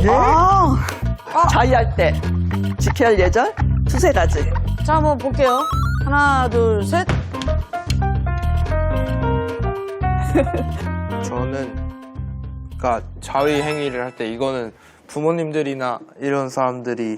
예? 자위할 때 지켜야 할 예절 두세 가지. 자, 한번 볼게요. 하나, 둘, 셋. 저는 그러니까 자위 행위를 할 때 이거는 부모님들이나 이런 사람들이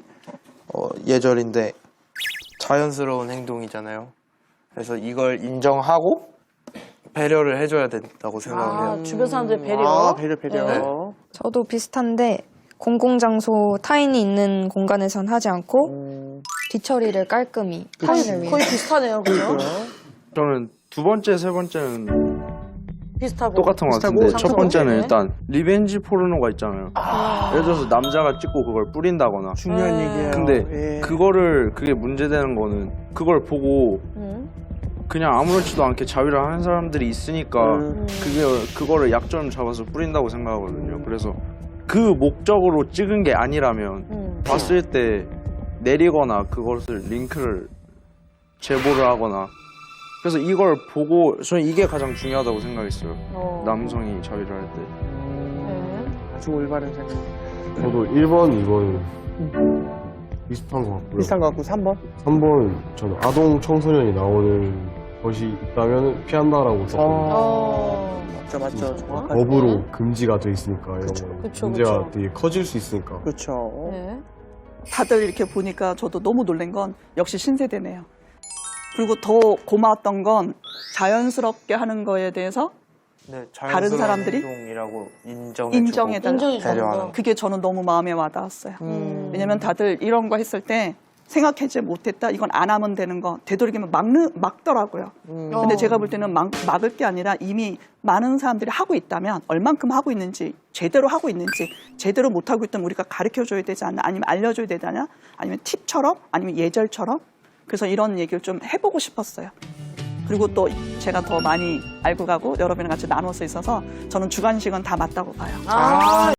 예절인데 자연스러운 행동이잖아요. 그래서 이걸 인정하고 배려를 해줘야 된다고 생각을 해요. 주변 사람들 배려. 배려. 네. 저도 비슷한데 공공장소 타인이 있는 공간에선 하지 않고 뒤처리를 깔끔히 타인을 위해. 거의 비슷하네요, 그죠? 저는 두 번째, 세 번째는 비슷하고. 똑같은 것 비슷하고 같은데 첫 번째는 네. 일단 리벤지 포르노가 있잖아요. 예를 들어서 남자가 찍고 그걸 뿌린다거나. 중요한 얘기예요. 근데 예. 그게 문제되는 거는 그걸 보고 그냥 아무렇지도 않게 자위를 하는 사람들이 있으니까 그거를 약점 잡아서 뿌린다고 생각하거든요. 그래서 그 목적으로 찍은 게 아니라면 봤을 때 내리거나 그것을 링크를 제보를 하거나 그래서 이걸 보고 저는 이게 가장 중요하다고 생각했어요. 남성이 자위를 할 때. 아주 올바른 생각. 저도 1번, 2번 비슷한 것 같고요. 비슷한 것 같고 3번? 3번 저는 아동 청소년이 나오는 것이 있다면 피한다라고 썼거든요. 맞죠. 정확하게. 법으로 금지가 돼 있으니까 이런 거 그쵸, 문제가 그쵸. 되게 커질 수 있으니까. 그렇죠. 네. 다들 이렇게 보니까 저도 너무 놀란 건 역시 신세대네요. 그리고 더 고마웠던 건 자연스럽게 하는 거에 대해서 네, 다른 사람들이 행동이라고 인정해달라. 인정해주는 배려하는 거. 그게 저는 너무 마음에 와닿았어요. 왜냐면 다들 이런 거 했을 때 생각하지 못했다. 이건 안 하면 되는 거 되도록이면 막더라고요. 근데 제가 볼 때는 막을 게 아니라 이미 많은 사람들이 하고 있다면 얼만큼 하고 있는지 제대로 하고 있는지 제대로 못하고 있다면 우리가 가르쳐줘야 되지 않나 아니면 알려줘야 되잖아 아니면 팁처럼 아니면 예절처럼 그래서 이런 얘기를 좀 해보고 싶었어요. 그리고 또 제가 더 많이 알고 가고 여러분이랑 같이 나눠서 있어서 저는 주관식은 다 맞다고 봐요.